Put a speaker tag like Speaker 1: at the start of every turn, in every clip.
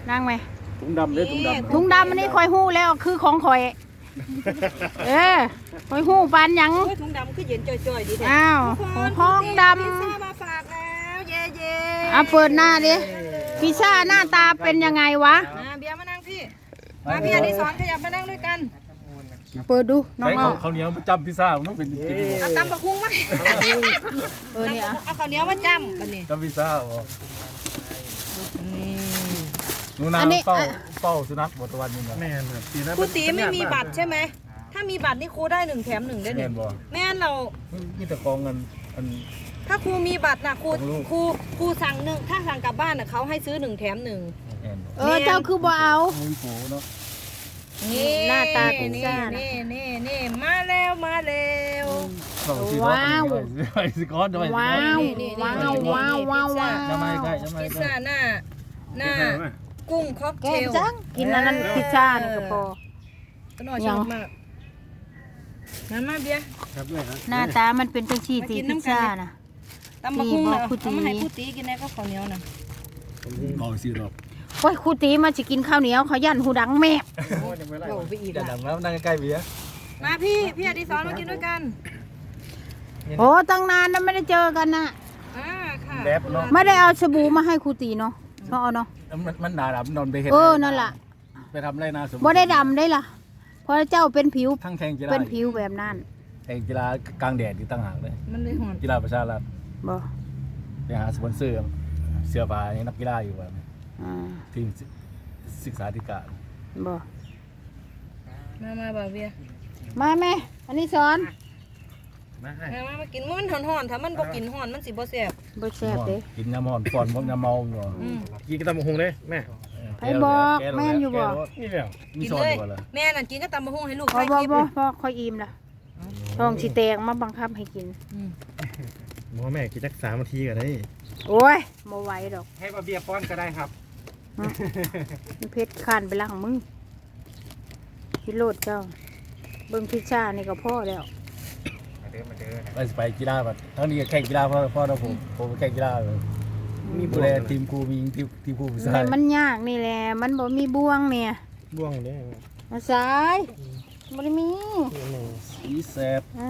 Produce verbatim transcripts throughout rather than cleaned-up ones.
Speaker 1: นั่งไหม
Speaker 2: ถุงดำเด้อถุงดำ
Speaker 1: ถุงดำอันนี้คอยหู้แล้วคือของคอยเออคอยหู้ปานหยัง
Speaker 3: ถุงดำคือเย็นจ่อยๆดีแท้
Speaker 1: อ้าวห้องด
Speaker 3: พิซซ่ามาฝากแล้วเย่เย่
Speaker 1: ำเอาเปิดหน้าดิพิซซ่าหน้าตาเป็นยังไงวะ
Speaker 3: เบียร์มานั่งพี่มาพี่อดิศรขยับมานั่งด้วยกัน
Speaker 1: เปิดดูน้อง
Speaker 2: ใช้
Speaker 1: อ้อ
Speaker 2: ข้าวเหนียวประจำพิซซ่ามันต้องเป็นเป็น
Speaker 3: เอาตำบักหุ่งมา
Speaker 1: เออเนี่ย
Speaker 3: เอาข้าวเหนียวมาจ้ำบัดนี้
Speaker 2: จำพิซซ่าบ่
Speaker 3: นี่
Speaker 2: หนูนาเฝ้าเฝ้าสุนัขหมดตะวันนี่นะแม่นครับปีนั้น
Speaker 3: ครูตีไม่มีบัตรใช่ไหมถ้ามีบัตรนี่ครูได้หนึ่งแถมหนึ่งได้ห
Speaker 2: แม่
Speaker 3: นึ่
Speaker 2: น
Speaker 3: ง
Speaker 2: บ่
Speaker 3: แม่นเรา
Speaker 2: มีแต่กองเงินอัน
Speaker 3: ถ้าครูมีบัตรนะครู
Speaker 2: ของลูก
Speaker 3: ครูครูสั่งหนึ่งถ้าสั่งกลับบ้านน่ะเขาให้ซื้อหนึ่งแถมหนึ่ง
Speaker 2: แม่นบ่
Speaker 1: เออเจ้าคือบ่เอา
Speaker 2: มุ้ยโผเนาะ
Speaker 3: นี่
Speaker 1: หน้าตาพิซซ่านะ
Speaker 3: นี่นี่นี่มาแล้วมาแล้ว
Speaker 2: เข้าสิเนาะ
Speaker 1: ว้าว
Speaker 2: ไปสิก้อนด้วย
Speaker 1: ว้าวว้าวว้าวว้าวว้าว
Speaker 2: จะไม่ใกล้จะไม่
Speaker 3: พิซ
Speaker 2: ใกล้
Speaker 3: ซ่าหน้าหน้ากุ้งค็อก
Speaker 1: แก
Speaker 3: เทล
Speaker 1: จังกินอันนั้นพิซซ่านี่ก็พอ
Speaker 3: ก็น่าชอบมากนั่นมาเบียร์
Speaker 2: ครับด้วยครับ
Speaker 1: หน้าตามันเป็นจังซี่ตีพิซซ่านะ
Speaker 3: ตำบักหุ่ง
Speaker 1: นี่
Speaker 3: เหร
Speaker 1: บ
Speaker 3: อ
Speaker 1: อกครูตี
Speaker 3: เอามาให้ครูตีกินได้ก็ข้าวเหนียวน่ะ
Speaker 2: ก่อนสิดอก
Speaker 1: โอ้ยครูตีมาสิกินข้าวเหนียวเขายันหูดังแม่
Speaker 3: โอ้ไปอีก
Speaker 2: จะ
Speaker 3: อ่ะ
Speaker 2: ดังแล้วนั่งใกล้เบียร์
Speaker 3: มาพี่พี่อดิศรมากินด้วยกัน
Speaker 1: โอ้ตั้งนานแล้วไม่ได้เจอกันนะ
Speaker 3: อ่าค่ะ
Speaker 2: แบบเนาะ
Speaker 1: ไม่ได้เอาสบู่มาให้ครูตีเนาะเนาะเอาเนาะ
Speaker 2: มันมันหนาดำนอนไปเห็น
Speaker 1: เออนั่นล่ะ
Speaker 2: ไปทำไรนาสม
Speaker 1: บ่ได้ดำได้ล่ะเพราะเจ้าเป็นผิว
Speaker 2: ทั้งแข่งกีฬา
Speaker 1: เป็นผิวแบบนั้น
Speaker 2: แข่งกีฬากลางแดดที่ตั้งหากเลย
Speaker 3: มันเลยหอน
Speaker 2: กีฬาประชารัฐ
Speaker 1: บ่
Speaker 2: ไปหาสปอนเซอร์เสื้อผ้าให้นักกีฬาอยู่ว่า
Speaker 1: อ่า
Speaker 2: ทีมศึกษาธิการ
Speaker 1: บ่
Speaker 3: มามาบ่าวเบียร์
Speaker 1: มาแม่อันนี้สอน
Speaker 2: มาให้
Speaker 3: มามามากินมันหอนหอนๆถ้ามันบ่กินหอนมันสิบ่แซ่บ
Speaker 1: บ่แซ่บเด้
Speaker 2: กินน้ำมันฟอนพวกน้ำเมาอยู่
Speaker 3: อืม
Speaker 4: กินกระตำบักหงเลยแม่
Speaker 1: ไปบอกแม่นอยู่บ่
Speaker 4: นี่แหละ
Speaker 2: มี
Speaker 3: กิน
Speaker 2: ซอน
Speaker 3: เล
Speaker 2: อย ยู่บ่ล่ะ
Speaker 3: แม่นั่นกินก็ตำบักหุ่งให้ลูก
Speaker 1: บ่
Speaker 3: ถ่าย
Speaker 1: บ่
Speaker 3: คลิป
Speaker 1: บ่
Speaker 3: อยู่
Speaker 1: บ่ค่อยอิ่มล่ะท้องสิแตกมาบังคับให้กิน
Speaker 3: อืม
Speaker 4: บอกว่าแม่กินสักสามนาทีก็ได้
Speaker 1: โอ้ยบ่ไหวดอก
Speaker 4: ให้บาเบียป้อนก็ได้ครับ
Speaker 1: มันเผ็ดข้านไปล้างมือกินโลดเจ้าเบิ่งพิซซ่านี่ก็พอแล้ว
Speaker 4: มาเด้อมาเด้อ
Speaker 2: ไปไปกีฬาแบบทั้งนี้แข่งกีฬาเพราะเพราะเราผมผมแข่งกีฬาเลยมีดูแลทีมครูมีทีมทีมครูผู้ชาย
Speaker 1: นี่มันยากนี่แหละมันบ่มีบ่วงเนี่ย
Speaker 4: บ่วงเด้อ
Speaker 1: มาสายบ่ได้มี
Speaker 2: สีแสบ
Speaker 1: อ่ะ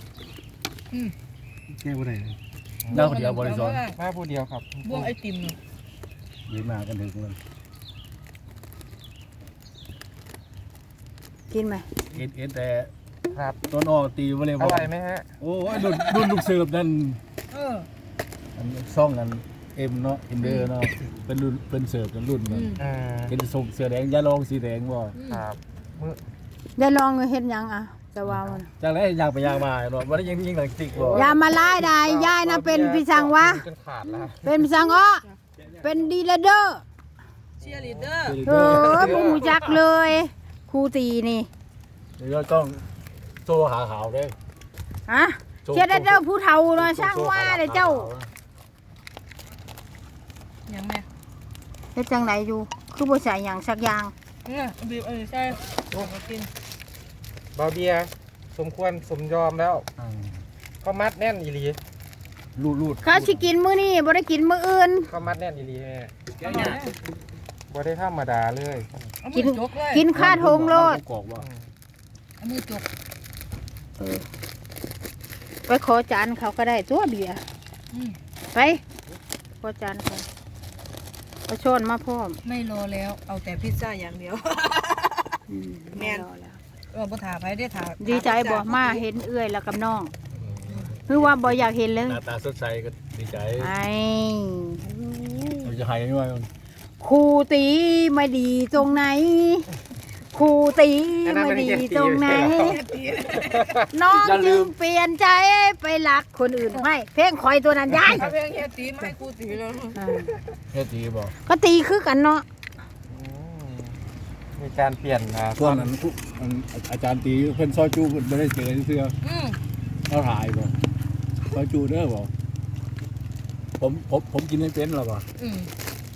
Speaker 4: แก้บ่ได้
Speaker 2: เล่าคนเดียวบริสุทธิ์
Speaker 4: มาผู้เดียวครับ
Speaker 3: บ่วงไอติมน่ะ
Speaker 2: ยืนมากันถึงเลย
Speaker 1: กินไหม
Speaker 2: เอ็นเอ็นแต่
Speaker 4: ครับ
Speaker 2: ต้นออกตีวอลเลย์บ
Speaker 4: อ
Speaker 2: อล
Speaker 4: ร่อยไหมฮะ
Speaker 2: โอ้ยรุ่นรุ่นลูกเสิร์ฟนั่น
Speaker 3: เออ
Speaker 2: อันซ่องกันเอ็มเนาะเอ็มเดอร์เนาะเป็นรุ่นเป็นเสิร์ฟกันรุ่นกัน
Speaker 4: อ่า
Speaker 2: เป็นส่งเสือแดงยาลองสีแดงบ่
Speaker 4: ครับมื้อ
Speaker 1: ได้ลองเฮ็ดหยังอ่ะจะว่ามัน
Speaker 2: จากนั้นยางไปยางมาเนาะวันนี้ยังยิงหลังติ๊กบ่
Speaker 1: อย่ามาไล่ได้ยายนะเป็นพี่สังวะ
Speaker 4: จนขาดแล้ว
Speaker 1: เป็นพี่สังอ้อเป็นดีเลเดอร์
Speaker 3: เชียร์ลีดเดอร์
Speaker 1: เออบ่ฮู้จักเลยครูตีนี่
Speaker 2: เดี๋ยวต้องโซ่หาขาวเด้
Speaker 1: ฮะเชียร์ได้เด้อผู้เฒ่าเนาะช่างว่าเด้อเจ้า
Speaker 3: ยังแม่
Speaker 1: เฮ็ดจังไดอยู่คือบ่ใส่หยังสักอย่าง
Speaker 3: เนี่ยบีบเออใช่มากิน
Speaker 4: บาเบียสมควรสมยอมแล้วเขามัดแน่นอีหลี
Speaker 2: รูดรูด
Speaker 1: เขาสิกินมื้อนี้บ่ได้กินมื้ออื่น
Speaker 4: เขามัดแน่นอีหลีแม่บ่ได้ธรรมดาเลย
Speaker 3: เอา
Speaker 1: กิ
Speaker 3: มื
Speaker 1: น
Speaker 3: อจกเลย
Speaker 1: กินค่าทงโลด
Speaker 2: กอกว่า
Speaker 3: เอามือจก
Speaker 1: ไปขอจานเขาก็ได้ตัวเบียร์
Speaker 3: อืม
Speaker 1: ไปขอจานเขาเอาช้อนมาพร้อม
Speaker 3: ไม่รอแล้วเอาแต่พิซซ่าอย่างเดียว
Speaker 1: อืม
Speaker 3: แม่น
Speaker 1: รอแล้ว
Speaker 3: เออบ่ถาไปได้ถา
Speaker 1: ดีใจบ่มาเห็นเอื้อยแล้วกับน้องคือว่าบ่อยากเห็นเลย
Speaker 2: หน้าตาสดใสก็ดีใจ
Speaker 1: ไอ้
Speaker 2: เราจะหายยังไง
Speaker 1: ครูตีไม่ดีตรงไหนครูตีไม่ดีตรงไหน น้องจึงเปลี่ยนใจไปรักคนอื่นไม่เพลงคอยตัวนั้นยาย
Speaker 3: เอาเพลงเฮียตีมาให้กูตีแล้ว
Speaker 1: อ่า
Speaker 2: แค่ตีบอก
Speaker 1: ก็ตีคือกันเนาะ
Speaker 4: อืมมีการเปลี่ยนนะ
Speaker 2: พวกนั้นผู้อาจารย์ตีเพิ่นซอยจูเพิ่นไม่ได้เจอเสื้อ
Speaker 3: อืม
Speaker 2: เขาถ่ายบอกซอยจูเด้อบอกผมผมผมกินไม่เป็นหรอกบอก
Speaker 3: อืม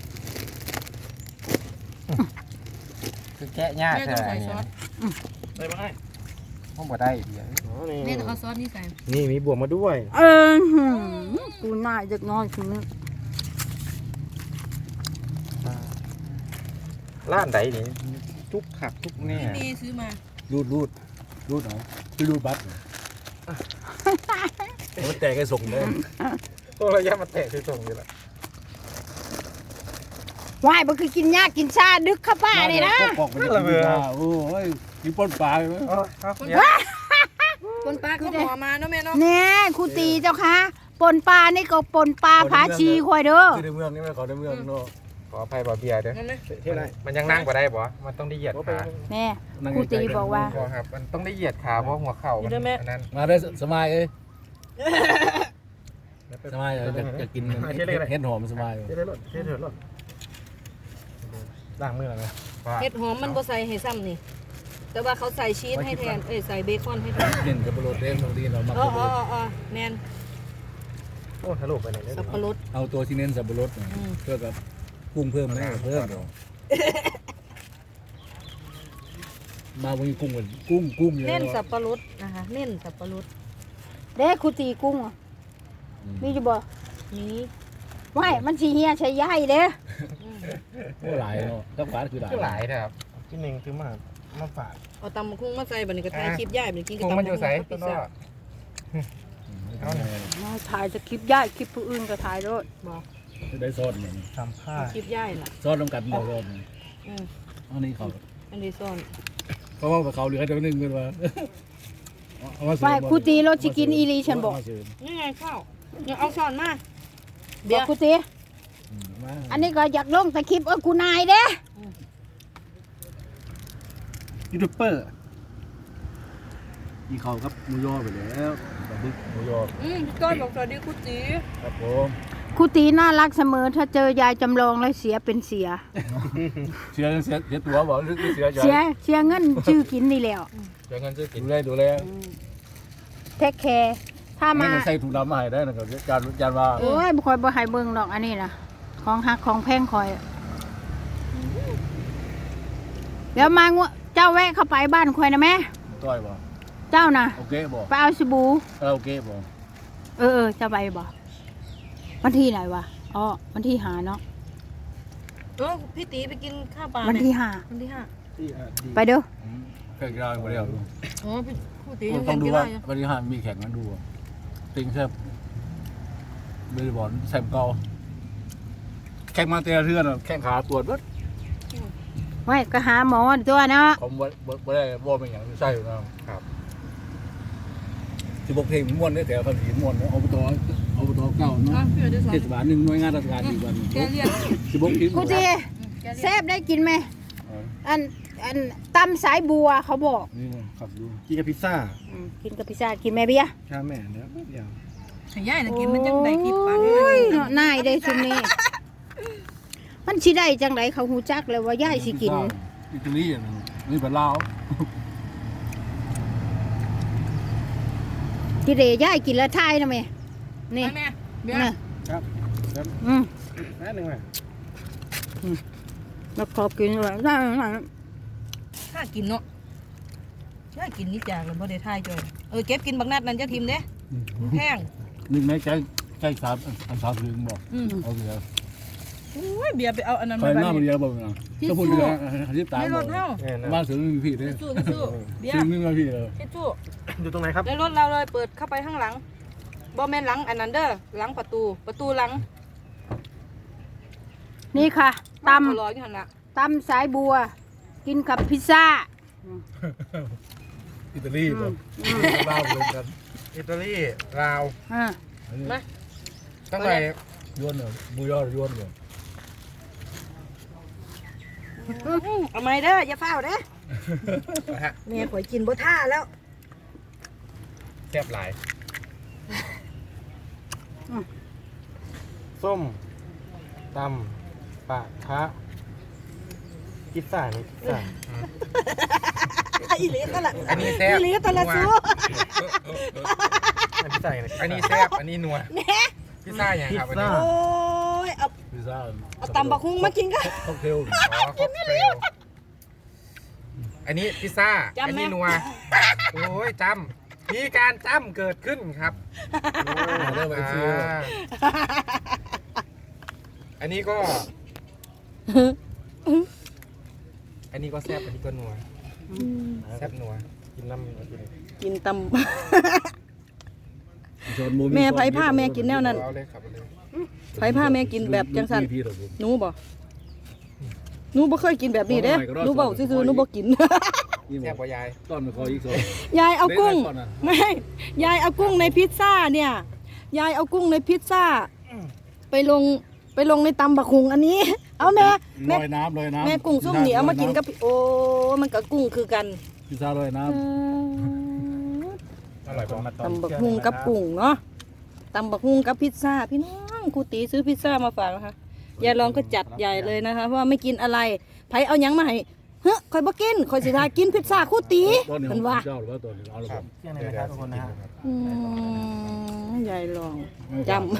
Speaker 4: คือแกะยาก
Speaker 3: แม่
Speaker 4: แท้
Speaker 3: ต้องใส่
Speaker 4: เนี่
Speaker 3: ซ
Speaker 4: ย
Speaker 3: อส
Speaker 2: ได้ไหม
Speaker 4: ผมบ่ได้เดียว
Speaker 3: แม่ต้องเอาซอสนี่ใส่
Speaker 4: นี่มีบวกมาด้วย
Speaker 1: เออหือกูน่าจะนอนคืนนี้
Speaker 4: ร้านไหนนี่ทุกขักทุกแน่
Speaker 3: ดีซื้อมา
Speaker 2: รูดรูดรูดเอาคือรูดบัตรมันแตกให้ส่งเลย
Speaker 4: ตัวระยะมาแตะที่ตรงนี้แหละ
Speaker 1: ว่ายมันคือกินยากกินชาดึกเข้าป้าเลยนะ
Speaker 2: ปอกไปเลยเบื่อโอ้ยกินปนปลาไหม
Speaker 4: เออครับเนี่ย
Speaker 3: คนปลาก็หัวมาเนาะแม่เนาะ
Speaker 1: แน่ครูตีเจ้าคะปนปลานี่ก็ปนปลาผาชีควายเด้อ
Speaker 2: คือในเมืองนี่ไม่ขอในเมืองเนาะ
Speaker 4: ขออภัยบ่เบียร์เด้อ
Speaker 3: นั่นเลย
Speaker 2: ที่ไหน
Speaker 4: มันยังนั่งบ่ได้บ่มันต้องได้เหยียดขา
Speaker 1: แน่ครูตีบอกว่า
Speaker 4: บ่ครับมันต้องได้เหยียดขาเพราะหัวเข่ามันอันนั้น
Speaker 2: มาได้สมัยเอ้ยสมัยจะจะกินเห็ดหอมสมัย
Speaker 4: เฮ็ดได้รถเฮ็ดเถอะรถล้างมือแล้วนะ
Speaker 3: เห็ดหอมมันบ่ใส่ให้ซ้ำนี่แต่ว่าเขาใส่ชีสให้แทนเอ้ยใส่เบคอนให้แทน
Speaker 2: เน้นกับโปรตีนบางทีเรามัก
Speaker 3: อ๋ออ๋ออ๋อแมน
Speaker 4: โอ้ทะลุไปไหนได้
Speaker 3: สับปะรด
Speaker 2: เอาตัวที่เน้นสับปะรดเพื่อกับกุ้งเพิ่มไหมเพิ่มมาวันนี้กุ้งกุ้งกุ้งเยอะ
Speaker 3: เน้นสับปะรดนะคะเน้นสับปะรด
Speaker 1: เด้ครูตีกุ้งอะมีอยู่บ่
Speaker 3: นี้
Speaker 1: ว่ายมันสีเฮียใช้ย่ายเด้อ
Speaker 2: โอ้หลายเนาะต้องฝาคือหลาย
Speaker 4: คือหลายนะครับที่หนึ่งคือมามาฝาก
Speaker 3: เอาตำคุ้งมาใส่บัดนี้ก็ถ่ายคลิปย่ายบัดนี้กิน
Speaker 4: ค
Speaker 3: กับ
Speaker 4: ง
Speaker 3: ตำ
Speaker 4: มันอยู่ใส่
Speaker 3: พิ
Speaker 4: ตัว
Speaker 3: ซ
Speaker 4: นอ
Speaker 3: ซ่าก
Speaker 1: มาถ่ายจะคลิปย่ายคลิปผู้อื่นก็ถ่ายด้วย
Speaker 3: บอก
Speaker 2: ได้ซอสเหมือน
Speaker 4: ทำผ้า
Speaker 3: คลิปย่ายล่ะ
Speaker 2: ซอสต้องกัดหมดรอบ
Speaker 3: อืม
Speaker 2: อันนี้เขา
Speaker 3: อันนี้ซ่อน
Speaker 2: เพราะว่าเขาเหลือแต่นึงกันว่า
Speaker 1: ว่ายครูตีรถสิกินอีหลีฉันบอก
Speaker 3: นี่ไงข้าวเนี่ยเอาซ่อนมา
Speaker 1: เดี๋ยวครูตีอันนี้ก็อยากลงแต่คลิปเออกูนายเด้อ
Speaker 2: ยูทูบเบอร์อีเขาครับมูยอไปแล้วแบบบึกมูยอ
Speaker 3: อืมพี่ก้อยบอกสวัสดีคุณจี
Speaker 2: ครับผม
Speaker 1: ครูตีน่ารักเสมอถ้าเจอยายจำลองแล้วเสียเป็นเสีย
Speaker 2: เสียเสียเสียตัวบอกหรือเสียใจ
Speaker 1: เสียเสียเงินชื่อกินนี่แล้ว
Speaker 4: เดี๋ยวเงินซื้อกิน
Speaker 2: ดูแลดูแล
Speaker 1: เทคแคร์ถ้า
Speaker 2: ไม่
Speaker 1: มา
Speaker 2: ใส่ถุงดำมาให้ได้นะครับจานจานว่า
Speaker 1: โอ้ยบ่คอยบ่ให้เบิ่งดอกอันนี้นะของหักของแพงคอย เดี๋ยวมางวเจ้าแวะเข้าไปบ้านคอยนะแม่
Speaker 2: ต้อยบ่
Speaker 1: เจ้าน่ะ
Speaker 2: โอเคบ่
Speaker 1: ไปเอาสบู่
Speaker 2: เออโอเคบ่
Speaker 1: เออเออจะไปบ่วันที่ไหนวะอ๋อวันที่หาเนาะ
Speaker 3: เออพี่ตีไปกินข้าวปลา
Speaker 1: วัน
Speaker 3: เนี่ย
Speaker 1: ที่หา
Speaker 3: วันที่ห้า
Speaker 1: ไปเด้อ
Speaker 2: แข่งกีฬาคนเดียว
Speaker 3: อ๋อพี่พี่ตียัง
Speaker 2: ต้
Speaker 3: แข่
Speaker 2: อง
Speaker 3: ง
Speaker 2: ดู
Speaker 3: กี
Speaker 2: ว่า
Speaker 3: ฬาอยู่
Speaker 2: วันที่ห้ามีแข่งกันดูติงแซ่บเบสบอลแซมเก่าแข่งมาเตะเทือนแข่งขาตรวจวัด
Speaker 1: ไว้ก็หาหมอตัวเนาะ
Speaker 2: ผมบ่ได้บ่เป็นอย่างที่ใช่อยู่นะครับสิบกเพลงม้วนได้แต่ภาษีม้วนอบตอบตเก่า
Speaker 3: อ๋อ
Speaker 2: เนาะ
Speaker 3: พี่เดี๋ยวสอน
Speaker 2: เทศบาลหนึ่งหน่วยงานราชการอีกวัน
Speaker 3: แกเรียน
Speaker 2: สิบกทีม
Speaker 1: ครูตีแซ่บได้กินไหมอันอันตำสายบัวเขาบอก
Speaker 2: นี่ขับดู
Speaker 5: กินกับพิซซ่า
Speaker 1: อืมกินกับพิซซ่ากินแม่เบียร์
Speaker 5: ชาแม่เนี่ยเดี๋ยว
Speaker 3: ขย่ายนะกินมันจังได้คลิปปลาด้
Speaker 1: โอ้
Speaker 3: วย
Speaker 1: ยเนาะนายได้ชุมนี้ มันสิได้จังไดเขาฮู้จักเลยว่าย่ายสิกิน
Speaker 2: อิตาลีนี่เป็นลาว
Speaker 1: ที่เดย่ายกินแล้วทายนะแม่นี่
Speaker 3: ไปแม่เบีย
Speaker 1: นี่
Speaker 3: ร์
Speaker 5: ครับครับ
Speaker 1: อืม
Speaker 5: แป๊บนึงแม่
Speaker 1: แล้วขอกินเลยได้ไหม
Speaker 3: ถ้ากินเนาะถ้ากินนี่จากแล้วบ่ได้ทายจอยเออเก็บกินบักนัดนั่นจะทิมเด้มันแพง
Speaker 2: หนึ่งในใจใจสามอันสามถึงบอก
Speaker 3: อืม
Speaker 2: โอเค
Speaker 3: โอ้ยเบียร์ไปเอาอันนั้น
Speaker 2: ไป
Speaker 3: มา
Speaker 2: หน้ามันเยอะบอกนะถ้าพูดเยอะรีบตาม
Speaker 3: ใน
Speaker 2: บ
Speaker 3: ร
Speaker 2: อก
Speaker 3: ถเฮา
Speaker 4: เนี่ยนะ
Speaker 2: บ้านเสือไม่มีพี่เลย
Speaker 3: สู้สู้เบีย
Speaker 2: ซึ่ง
Speaker 3: ร์
Speaker 2: ไม่มีพี่เลย
Speaker 3: เฮ็ดสู้
Speaker 5: อยู่ตรงไหนครับ
Speaker 3: ในรถเราเลยเปิดเข้าไปข้างหลังบ่แม่นหลังอันนั้นเด้อหลังประตูประตูหลัง
Speaker 1: นี่ค่ะต
Speaker 3: เขารออยู่หั่นล่ะ
Speaker 1: ำตำสายบัว กินกับพิซซ่า
Speaker 2: อิตาลีบอกลาวรวมกัน
Speaker 4: อิตาลีลาว
Speaker 1: อ่า
Speaker 3: มา
Speaker 4: ต้องไป
Speaker 2: ย้วนเหรอมูยอย้วนเหรอ
Speaker 3: เอาไม้เด้ออย่าเฝ้าเด้อแม่ข่อยกินบ่ท่าแล้ว
Speaker 4: แซ่บหลาย ส้มตำปะคะพิซซ่านี่พิซซ่า
Speaker 3: อีหลีตะละ
Speaker 4: อันนี้แซ่บ
Speaker 3: อีหลีตะละสู้
Speaker 4: อันนี้ใส่อันนี้แซ่บอันนี้นัว
Speaker 3: แหน่
Speaker 4: พิซซ่าอย่างครับอันนี้
Speaker 3: โอ้ยเอา
Speaker 2: พิซซ่า
Speaker 3: เอาตำบักหุ่งมากินกัน
Speaker 2: ค็อกเทล
Speaker 4: อ๋อค็อกเทลอันนี้พิซซ่า
Speaker 3: จำไหม
Speaker 4: อันนี้นัวโอ้ยจำมีการจำเกิดขึ้นครับ
Speaker 2: เริ่มไปซื้อ
Speaker 4: อ่าอันนี้ก็นนี้ก็แซ่บอันนี้ก็นัวแซ่บนัวกินน้ำกิน
Speaker 3: กินต
Speaker 2: ชนหมู
Speaker 3: แม่ไผผ้าแม่กินแนวนั้น
Speaker 4: เอาเลยครับเอาเลย
Speaker 3: ำไผผ้าแม่กินแบบจังสัน
Speaker 2: พี่เหรอผม
Speaker 3: หนูบ่หนูบ่เคยกินแบบนี้เด้หนูเบาซื่อๆหนูบ่กิน
Speaker 2: นี่บ
Speaker 4: แซ่
Speaker 2: อบ ก
Speaker 4: กว่ายาย
Speaker 2: ต้อนมาคออีกสอง
Speaker 3: ยายเอากุ้ง
Speaker 2: เล่นก่อนนะ
Speaker 3: ไม่ยายเอากุ้งในพิซซ่าเนี่ย ยายเอากุ้งในพิซซ่า ไปลงไปลงในตำบักหุงอันนี้ เอาแม่
Speaker 2: ล
Speaker 3: แม่
Speaker 2: อยน้ำลอยน้ำ
Speaker 3: แม่กุ้งส้มเหนียวมากินกับพี่โอ้มันกับกุ้งคือกัน
Speaker 2: พิซซ่าลอยน้
Speaker 4: อร่อยปะ
Speaker 3: ตำบักหุงกับกุ้งเนาะตำบักหุงกับพิซซ่าพี่น้องครูตีซื้อพิซซ่ามาฝากนะคะยายลองก็จัดใหญ่เลยนะคะเพราะว่าไม่กินอะไรไผเอาหยังมาให้เฮ้ยคอยบ่กินคอยสิทากินพิซซ่าครูตี
Speaker 2: ำต้นนี้
Speaker 3: เพิ่นว่า
Speaker 2: เจ้าหรือว่าต้นนี้เอาหรือ
Speaker 4: ค
Speaker 2: เป
Speaker 4: รับ
Speaker 2: ล่า
Speaker 5: เที่ยงเลยนะครับทุกคนนะฮะ
Speaker 3: อืมยายลอง จำ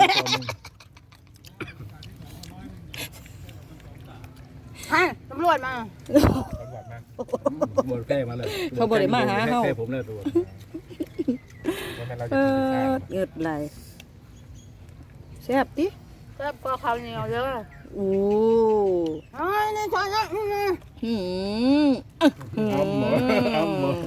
Speaker 1: ฮะตำรวจมา
Speaker 4: อร่อยมาก
Speaker 2: หมดแก้มาเลย
Speaker 3: เขาบ่ได้มาหาเฮา
Speaker 2: แก้ผมเลยตัว
Speaker 4: วันนั้นเรา
Speaker 3: เอ
Speaker 4: จะกินพิซซ่า
Speaker 3: อเงืดไหลแซ่บติ
Speaker 1: แซ่บกว่าข้าวเหนียวเด้อ
Speaker 3: โอ้
Speaker 1: เอ้ยนี่ช้อนนะอื้อหือ
Speaker 3: หืมอื้อหื
Speaker 2: อ้ำหมออ้ำหมอ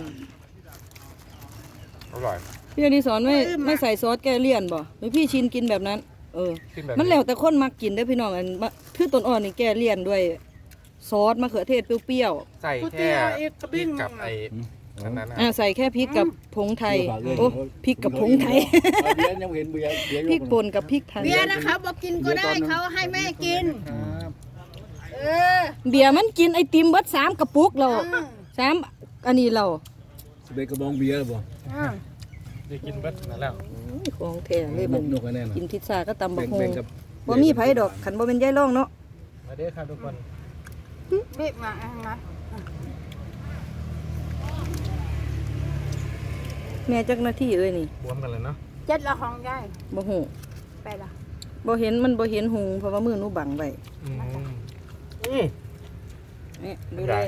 Speaker 4: อร่อย
Speaker 3: พี่อดิศรไม่ไม่ใส่ซอสแกเลี่ยนบ่หรือพี่ชินกินแบบนั้น เออ
Speaker 4: ขึ้นแบบ
Speaker 3: มันแล้วแต่คนมักกินเด้อพี่น้องอันมะคือต้นอ่อนนี่แกเลี่ยนด้วยซอสมะเขือเทศเปรี้ยว
Speaker 4: ใส่แค่พริกกับไอ้อันนั้นนะ
Speaker 3: ๆอ่าใส่แค่พริกกับผงไทยโอ้พริกกับผงไทย
Speaker 2: เอาเบียร์ยังเห็นเบียร์เบียร์
Speaker 3: พริกป่นกับพริกไทย
Speaker 1: เบียร์นะคะบอกกินก็ได้เขาให้แม่กิน
Speaker 2: ครับ
Speaker 1: เออ
Speaker 3: เบียร์มันกินไอติมเบิดสามกระปุกเรา
Speaker 1: อืม
Speaker 3: สามอันนี้เรา
Speaker 2: สเปกกระบองเบียร์บ่
Speaker 1: อืม
Speaker 4: ได้กินเบิดนั่นแล้ว
Speaker 3: ของแท้เลย
Speaker 2: บ
Speaker 3: มั
Speaker 2: ก
Speaker 3: น
Speaker 2: นกกันแน่นอน
Speaker 3: กินพิซซ่าก็ตำบั
Speaker 2: แบ่
Speaker 3: ก
Speaker 2: ง
Speaker 3: ฮ
Speaker 2: แบ่
Speaker 3: ง
Speaker 2: งกับ
Speaker 3: บ่มีไผดอกขันบ่เป็นยายร่องเนาะ
Speaker 4: มาเด้อครับทุกคน
Speaker 1: บีบมาเอามา
Speaker 3: แม่จักหน้าที่เอ้ยนี่
Speaker 4: บวมกันเลยเนาะ
Speaker 1: เจ็ดละของยาย
Speaker 3: บ่ฮู้
Speaker 1: ไปละ
Speaker 3: บ่เห็นมันบ่เห็นหุงเพราะว่ามือหนูบังไว้
Speaker 4: อืมอืม
Speaker 3: นี่ดูเลย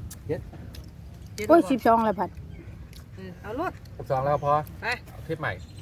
Speaker 1: โอ้ยสิบสองเลยผัด
Speaker 3: เออเอารถ
Speaker 4: สิบสองแล้วพอ
Speaker 3: ไป
Speaker 4: เอาคลิปใหม่